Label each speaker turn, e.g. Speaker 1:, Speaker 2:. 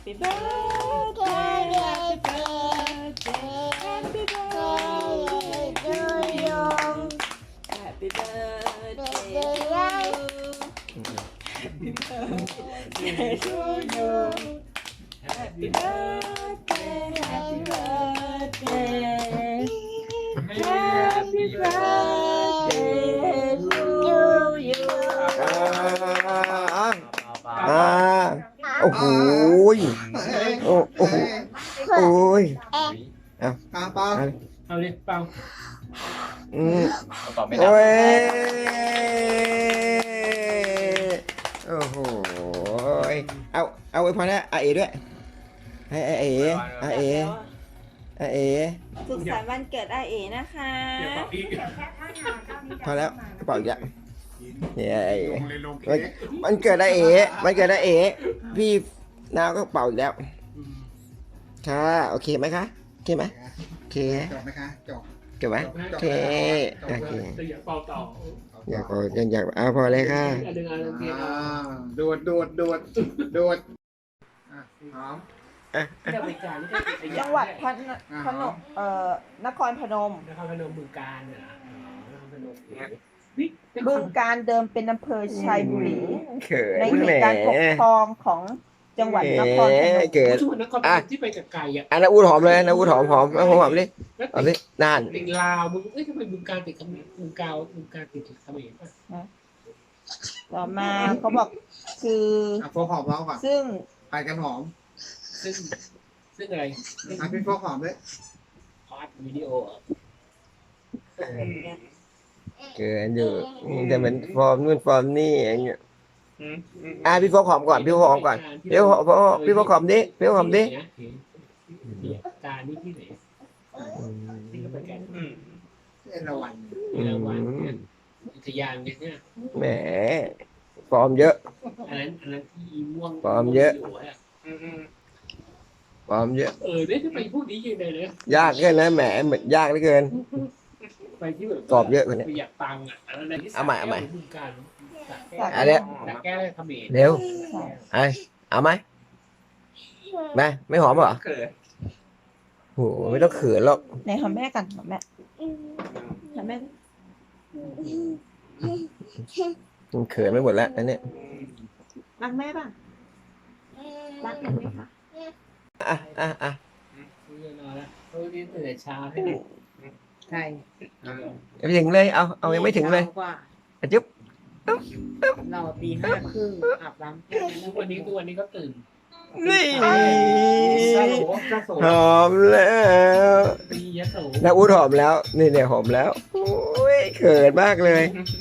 Speaker 1: Happy birthday Happy birthday Happy birthday to you Happy birthday Happy birthday to you Happy birthday Happy birthday Happy birthday to you
Speaker 2: โอ้โหโอ้โหโอ้ย
Speaker 3: เปล่าเปล่า
Speaker 4: เอาเลยเปล่า
Speaker 5: ตอบไม่ได้
Speaker 2: โอ้ยโอ้โหเอาไว้พอนะอาเอด้วยให้อาเออาเออาเอ
Speaker 1: สุขสันต์วันเกิดอาเอนะคะ
Speaker 4: เดี๋ยวเปล่าอีก
Speaker 2: พอแล้วกระเป๋าอีกแล้วเนี่ยไอ้
Speaker 3: ลงเลยลงเค้ก
Speaker 2: มันเกิดอาเอมันเกิดอาเอพี่นาวก็เป่าอีกแล้วค่ะโอเคไหมคะโอเคไหมโอเค
Speaker 3: จบไหมคะจบ
Speaker 2: เก็บไว้โอเคโอเค
Speaker 4: แต่อย่าเป่าต่อ
Speaker 2: อยากเอาพอเลยค่ะ
Speaker 4: อันหนึ่งอันหนึ่งเพียง
Speaker 3: โดดหอม
Speaker 4: เดี๋ยวไปจ่ายนี่ก็ไป
Speaker 1: จังหวัดพนมนครพนม
Speaker 4: นครพนมบึงกาฬเนี่ยนะนครพนม
Speaker 1: บึงการเดิมเป็นอำเภอชัยบุรี
Speaker 2: เขิน
Speaker 1: ในเห
Speaker 2: แหม
Speaker 1: ตุการณ์ปกครองของจังหวัดนครพนม
Speaker 2: เกิด
Speaker 4: ช่วงนครพนมที่ไปกับไก่อ่ะ
Speaker 2: อันนั้นอูดหอมเลยนะอูดหอมเอาหอมดิ
Speaker 4: แล้ว
Speaker 2: เอาดินาน
Speaker 4: ติดลาวมึงเอ้ยทำไมบึงกาฬติดเขมรบึงกาฬติดเขมรป่ะ
Speaker 1: ต่อมาเขาบอกคือ
Speaker 3: โฟกหอมเราก่อน
Speaker 1: ซึ่ง
Speaker 3: ไปกันหอม
Speaker 4: ซึ่งอะไร
Speaker 3: พี่โฟกหอมด้วย
Speaker 4: พาร์ทวิดีโอ
Speaker 2: เกินอยู่แต่เหมือนฟอร์มนู่นฟอร์มนี่อย่างเงี้ยพี่โฟกหอมก่อนพี่โฟกหอมก่อนพี่โฟกหอมดิพี่โฟกหอมดิ
Speaker 4: การนี่ที่ไหนที่เขาไปกัน
Speaker 3: เอ็นละวัน
Speaker 4: มีรางวัลเนี่ยอุทยานเนี่ย
Speaker 2: แหมฟอร์มเยอะ
Speaker 4: อันนั้นที่ม่วง
Speaker 2: ความเยอะ ฟอร์มเยอะ
Speaker 4: เนี่ยจะไปพวกนี้ยังไงเลย
Speaker 2: ยากเกินนะแหมเหมือนยากเหลือเกิน
Speaker 4: ไปที่แบบ
Speaker 2: กรอบเยอะกว่านี้
Speaker 4: ประหยัดตังค์อ่ะอะไรที่
Speaker 2: เอาใหม่เอาใหม่
Speaker 4: บึงกาฬ
Speaker 2: อันเนี้ย
Speaker 4: แต่แก้ได้เขมร
Speaker 2: เร็วเอาไหมแม่ไม่หอมเหรอโหไม่ต้องเขินหรอก
Speaker 1: ในหอมแม่กันหอมแม่หอมแม่
Speaker 2: มันเขินไม่หมดแล้วอันเนี้ย
Speaker 1: รักแม่ป่ะรักแม่ไหมคะ
Speaker 2: อ่ะ
Speaker 4: นอนแล้วเพราะวันนี้ตื่นแต่เช้าให้
Speaker 1: ใช่
Speaker 2: ไม่ถึงเลยเอายังไม่ถึงเลยจุ๊บ
Speaker 1: เราตี5:30อาบน้ำ
Speaker 4: ทุกวันนี้ก็ตื่น
Speaker 2: นี่
Speaker 4: ซาโหลซาโส
Speaker 2: หอมแล้ว
Speaker 4: ตียะโส
Speaker 2: นักอูดหอมแล้วนี่เนี่ยหอมแล้วโอ้ยเขินมากเลย
Speaker 4: เ